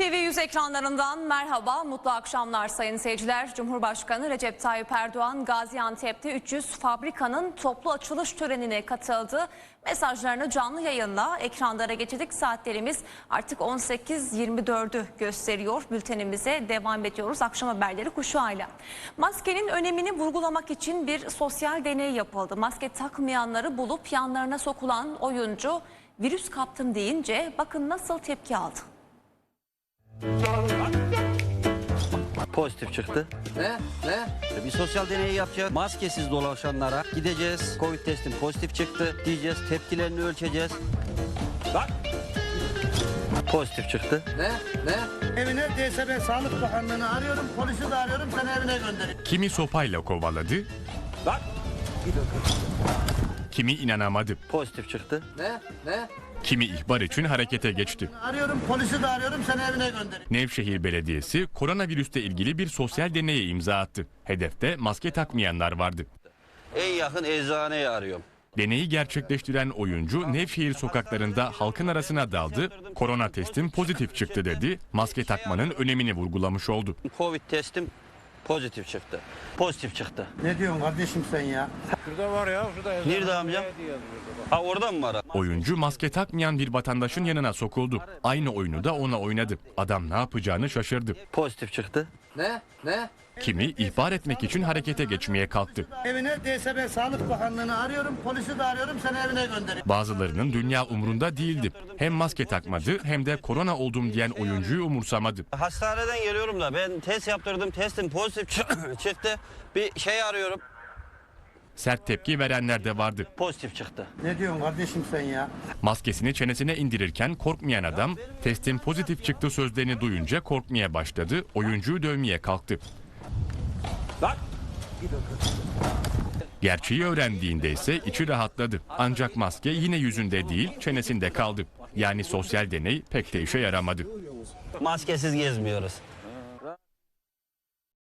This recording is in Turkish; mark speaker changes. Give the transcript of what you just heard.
Speaker 1: TV100 ekranlarından merhaba, mutlu akşamlar sayın seyirciler. Cumhurbaşkanı Recep Tayyip Erdoğan Gaziantep'te 300 fabrikanın toplu açılış törenine katıldı. Mesajlarını canlı yayınla ekranlara getirdik. Saatlerimiz artık 18.24'ü gösteriyor. Bültenimize devam ediyoruz. Akşam haberleri kuşağıyla. Maskenin önemini vurgulamak için bir sosyal deney yapıldı. Maske takmayanları bulup yanlarına sokulan oyuncu virüs kaptım deyince bakın nasıl tepki aldı.
Speaker 2: Pozitif çıktı.
Speaker 3: Ne?
Speaker 2: Bir sosyal deney yapacağız. Maskesiz dolaşanlara gideceğiz. Covid testim pozitif çıktı diyeceğiz. Tepkilerini ölçeceğiz.
Speaker 3: Bak.
Speaker 2: Pozitif çıktı.
Speaker 3: Ne?
Speaker 4: Evine DSB Sağlık Bakanlığı'nı arıyorum, polisi de arıyorum, seni evine gönderiyorum.
Speaker 5: Kimi sopayla kovaladı,
Speaker 3: Bak.
Speaker 5: kimi inanamadı,
Speaker 2: Pozitif çıktı.
Speaker 3: Ne?
Speaker 5: kimi ihbar için harekete geçti.
Speaker 4: Arıyorum, polisi de arıyorum, seni evine gönderiyorum.
Speaker 5: Nevşehir Belediyesi koronavirüsle ilgili bir sosyal deneye imza attı. Hedefte maske takmayanlar vardı.
Speaker 2: En yakın eczaneyi arıyorum.
Speaker 5: Deneyi gerçekleştiren oyuncu Nevşehir sokaklarında halkın arasına daldı, korona testim pozitif çıktı dedi, maske takmanın önemini vurgulamış oldu.
Speaker 2: Covid testim pozitif çıktı. Pozitif çıktı.
Speaker 4: Ne diyorsun kardeşim sen ya?
Speaker 6: Şurada var ya, şurada.
Speaker 2: Nerede amcam? Ha orada mı var?
Speaker 5: Oyuncu maske takmayan bir vatandaşın yanına sokuldu. Aynı oyunu da ona oynadı. Adam ne yapacağını şaşırdı.
Speaker 2: Pozitif çıktı.
Speaker 3: Ne?
Speaker 5: Kimi ihbar etmek için harekete geçmeye kalktı.
Speaker 4: Evine DSB Sağlık Bakanlığı'nı arıyorum, polisi de arıyorum, seni evine gönderiyorum.
Speaker 5: Bazılarının dünya umrunda değildi. Hem maske takmadı hem de korona oldum diyen oyuncuyu umursamadı.
Speaker 2: Hastaneden geliyorum da ben test yaptırdım. Testim pozitif çıktı. Bir şey arıyorum.
Speaker 5: Sert tepki verenler de vardı.
Speaker 2: Pozitif çıktı.
Speaker 4: Ne diyorsun kardeşim sen ya?
Speaker 5: Maskesini çenesine indirirken korkmayan adam testin pozitif çıktı sözlerini duyunca korkmaya başladı. Oyuncuyu dövmeye kalktı.
Speaker 3: Bak.
Speaker 5: Gerçeği öğrendiğinde ise içi rahatladı. Ancak maske yine yüzünde değil çenesinde kaldı. Yani sosyal deney pek de işe yaramadı.
Speaker 2: Maskesiz gezmiyoruz.